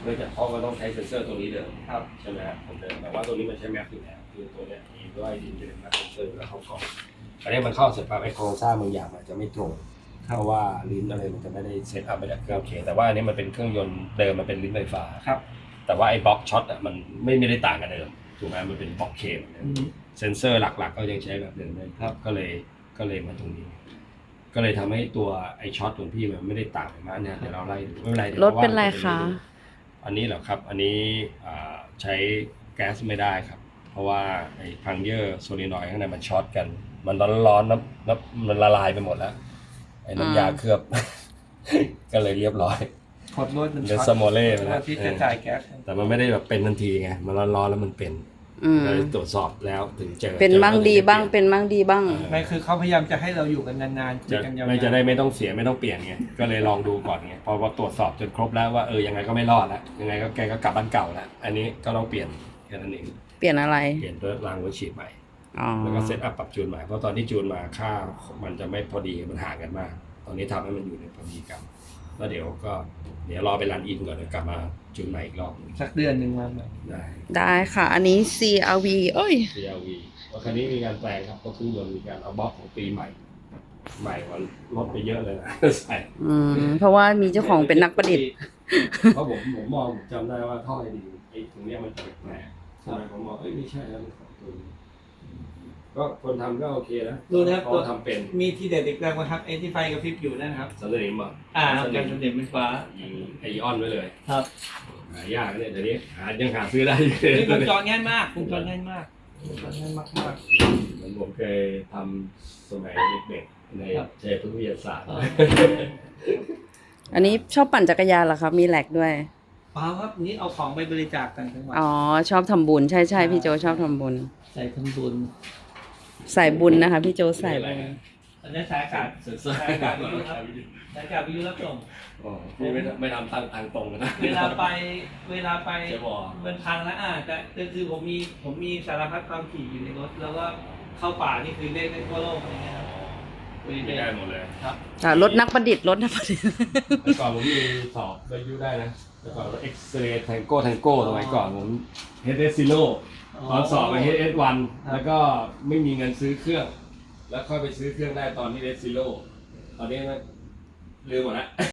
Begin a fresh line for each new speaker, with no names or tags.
เนื่องจากเพราะมันต้องใช้เซ็นเซอร์ตัวนี้เดิม
ครับ
ใช่ไหมครับผมเดิมแต่ว่าตัวนี้มันใช้แม็กอยู่แล้วคือตัวเนี้ยมีด้วยดินจะเป็นแม็กเซ็นเซอร์แล้วเข้ากล่องอันนี้มันเข้าเสร็จปั๊บไอ้โครงสร้างบางอย่างมันจะไม่ตรงเพราะว่าลิ้นอะไรมันจะไม่ได้เซตอัพไปจากเครื่องโอเคแต่ว่าอันนี้มันเป็นเครื่องยนต์เดิมมันเป็นลิ้นไฟฟ้า
ครับ
แต่ว่าไอ้บล็อกช็อตอ่ะมันไม่ได้ต่างกันเดิมถูกไหมมันเป็นบล็อกเคมเซนเซอร์หลักๆก็ยังใช้แบบเดิมเลยครับก็เลยมาตรงนี้ ก็เลยทำให้ตัวไอ้ช็อตของพี่มันไม่ได้ต่างกันมากเนี่ยเดี๋ยวเราไล่ดูไม่เป็นไรเดี๋ยว
รถเป็นไรคะ
อันนี้เหรอครับอันนี้ใช้แก๊สไม่ได้ครับเพราะว่าไอ้พังเยอร์โซลินอยด์ข้างในมันช็อตกันมันร้อนๆน้ำมันละลายไปหมดแล้วไอ้น้ำยาเคลือบ ก็เลยเรียบร้อย
ขดลวดมัน
เดสโมเล่ไป
แล้
แล้ว ว
ที่จะจ่ายแก๊ส
แต่มันไม่ได้แบบเป็นทันทีไงมันร้อนๆแล้วมันเป็น
อืม
ก็เลยตรวจสอบแล้วถึงเจอ
เป็นมั่งดีบ้างเป็นมั่งดีบ้าง
ไม่คือเขาพยายามจะให้เราอยู่กันนานๆคุย
จะ
กันยาวๆ
ไม่จะได้ไม่ต้องเสียไม่ต้องเปลี่ยนไงก็เลยลองดูก่อนไงพอตรวจสอบจนครบแล้วว่ายังไงก็ไม่รอดแล้วยังไงก็แกก็กลับบ้านเก่าแล้วอันนี้ก็ต้องเปลี่ยนแค่นั้นเอง
เปลี่ยนอะไร
เปลี่ยนด้วยรางหัวฉีดใหม่
อ๋อ
แล้วก็เซตอัพปรับจูนใหม่เพราะตอนที่จูนมาค่ามันจะไม่พอดีมันห่างกันมาก ตอนนี้ทำให้มันอยู่ในพอดีกันแล้วเดี๋ยวรอไปรันอินก่อนเดี๋ยวกลับมาจูนใหม่อีกรอบหนึ่ง
สักเดือนหนึ่งมาใหม่
ได้
ได้ค่ะ อันนี้ CRV เอ้ย
CRV เพราะคันนี้มีการแปลงครับก็คือมันมีการเอาบล็อกของปีใหม่กว่ารถไปเยอะเลยนะ ใส่
เพราะว่ามีเจ้าของเป็นนักประดิษฐ์
เพราะผมมองผมจำได้ว่าท่อไอดีไอ้ตรงเนี้ยมันแปลกๆใช่ไหมผมมองไม่ใช่แล้วมันของตัวนี้ก็คนทำก็โอเคนะ
ดูนะครับ
เพราะทำเป็น
มีที่เด็ดอีกแล้วนะครับไอ้ที่ไฟกระพริบอยู่นั่นครับ
สำเร็จมั้ง
ครับการสำเร็จไฟฟ้า
ยิงไอออนไว้เลย
ครับ
หายากเนี่ยเดี๋ยวนี้ยังหาซื้อได้
นี่วงจรง่ายมากวงจรง่ายมากวงจรง่ายมาก
เหมือนผมเคยทำสมัยเด็กๆในเชฟวิทยาศาสตร์
อันนี้ชอบปั่นจักรยานเหรอครับ มีแหลกด้วย
เปล่าครับนี่เอาของไปบริจาคต่างจังหวัด
อ๋อ ชอบทำบุญ ใช่ใช่พี่โจชอบทำบุญ
ใส่ทำบุญ
ใส่บุญนะคะ พี่โจใส่บุญ
อันนี้สายอากาศสายอากาศวิทยุครับสายอากาศวิทยุรับส่ง
พี่ไม่ทำทางตรงนะ
เวลาไป
ใช่บ่
มันพังแล้วแต่คือผมมีสารพัดความถี่อยู่ในรถแล้วก็เข้าป่านี่คือเล่นได้ทั่วโลกอะไรเงี้ยครับ
ไม่ได้หมดเลย
ครับ
รถนักประดิษฐ์รถนักประดิษฐ์
เมื่อก่อนผมมีสอบวิทยุได้นะเมื่อก่อนเอ็กซเรย์แทงโก้สมัยก่อนผมเฮดเอสซิโลตอนสอบไปเฮดเอสวันแล้วก็ไม่มีเงินซื้อเครื่อง แล้วค่อยไปซื้อเครื่องได้ตอนที่เฮดซิโลตอนนี้มันลืมหมดแล้ว